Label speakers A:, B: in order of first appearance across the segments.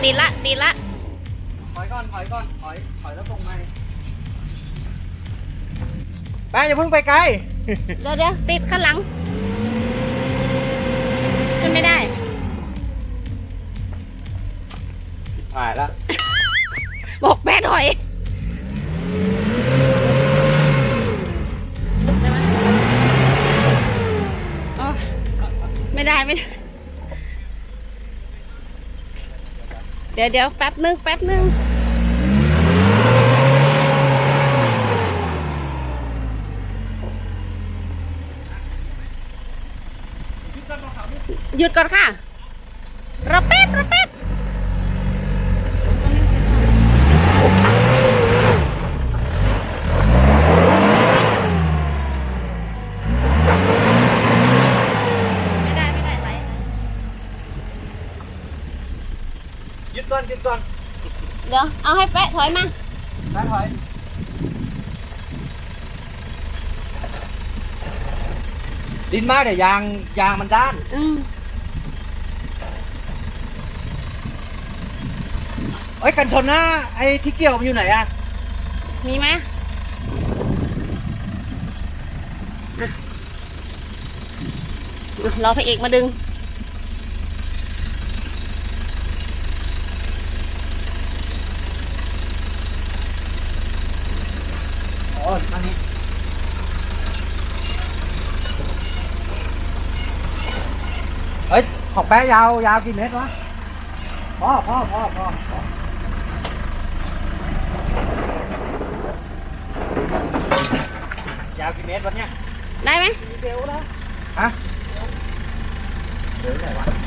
A: ติดละ
B: ถอยก่อนถอยแล้วตรงไหมไปอย่าเพิ่งไปไกล
A: เดี๋ยวติดข้างหลังขึ้นไม่ได้
B: ถ่ายแล้ว
A: บอกแม่ถอยไม่ได้เดี๋ยวแป๊บนึงหยุดก่อนค่ะรอแป๊บไม่ได้ไหล
B: หยุดก่อน
A: เดี๋ยวเอาให้แป๊ะถอยมา
B: ถอยดินมากเดี๋ยวยางมันด้านเอ้ยกันชนหน้าไอ้ที่เกี่ยวมันอยู่ไหนอะ
A: มีไหมรอพระเอกมาดึง
B: อ๋ออันนี้เฮ้ยของแป๊ะยาวกี่เมตรวะพ่อยาวกี่เมตรวะเนี่ย
A: ได้ไหม
B: เซลแล้วฮะเดี๋ยวไหนวะ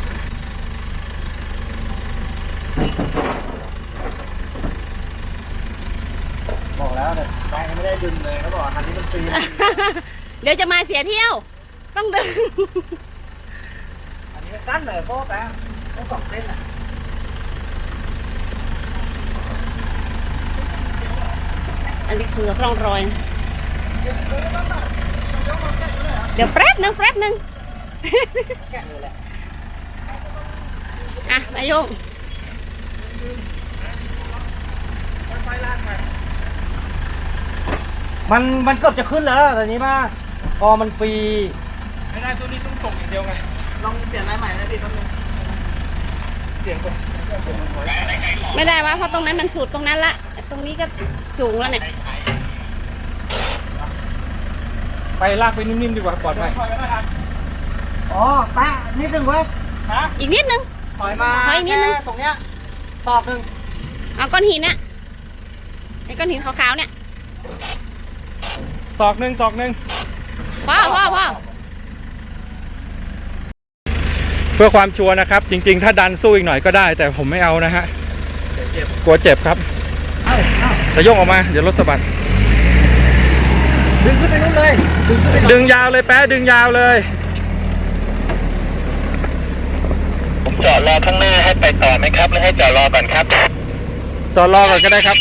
B: บอกแล้วแต่แป๊ะไม่ได้ดึงเลยเขาบอกคันนี้มันฟรี
A: เดี๋ยวจะมาเสียเที่ยวต้องดึง
B: อันนี้มันสั้นเลยเพราะแป๊ะต้อง2 เส้นอ่ะ
A: อันนี้คือร่องรอยเดี๋ยวแป๊บนึง
B: แกะเลยแหละ
A: อ่ะนายโยง
B: มันเกือบจะขึ้นแล้วตอนนี้มาพอมันฟรี
C: ไม่ได้ตัวนี้ต้องส่งอย่างเดียวไง
B: ลองเปลี่ยนลายใหม่นะพี่แป๊บนึงเสียงก่อน
A: ไม่ได้วะเพราะตรงนั้นมันสุดตรงนั้นละตรงนี้ก็สูงแล้วเนี่ย
C: ไปลากไปนิ่มๆดีกว่าปลอดภัย
B: อ๋อแปะนิดนึงเว้ย
A: อีกนิดนึง
B: ถอยมาแค่ตรงเนี้ยตอกนึง
A: เอาก้อนหินเนี่ยไอ้ก้อนหินขาวๆเนี่ย
C: ศอกหนึ่ง
A: พ่อ
C: เพื่อความชัวร์นะครับจริงๆถ้าดันสู้อีกหน่อยก็ได้แต่ผมไม่เอานะฮะกลัวเจ็บครับจะโยกออกมาเดี๋ยวรถสะบัด
B: ดึงขึ้นไปนู่นเลย
C: ดึงยาวเลยแป๊ะดึงยาวเลย
D: ผมจอดรอข้างหน้าให้ไปต่อไหมครับหรือให้จอดรอก่อนครับ
C: จอดรอก่อนก็ได้ครับ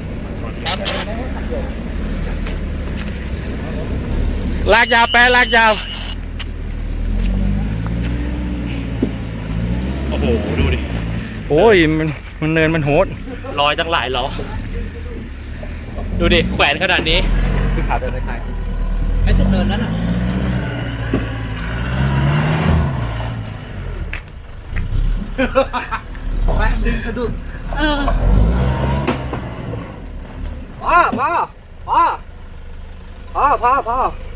C: ลากยาวแป๊ะลากยาวโอ้โหดูดิโอ้ยมันเนินมันโหด
D: ลอยตั้งหลายล้อดูดิแขวนขนาดนี้
B: คือขาเดินไปไทยไอ้จุดเนินนั้นอ่ะแม่ดึงกระดุดพ่อ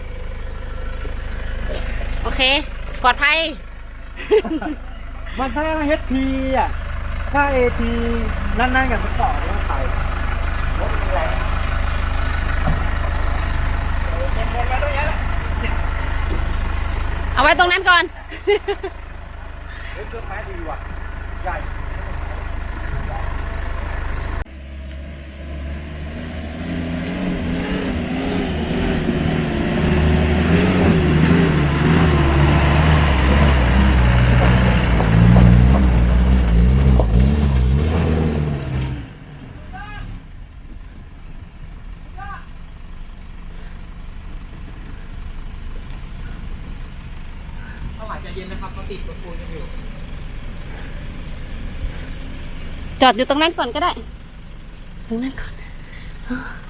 A: โอเคปลอดภัย
B: มันถ้า HT อ่ะถ้า AT นั่นๆกันมันต่อแล้วไปรถมันแรง
A: เอาไว้ตรงนั้นก่อน
B: เครื่องแม้ดีว่ะใหญ่
C: เย็นนะครับเขาติดรถปูนกันอยู่
A: จอดอยู่ตรงนั้นก่อนก็ได้ ตรงนั้นก่อน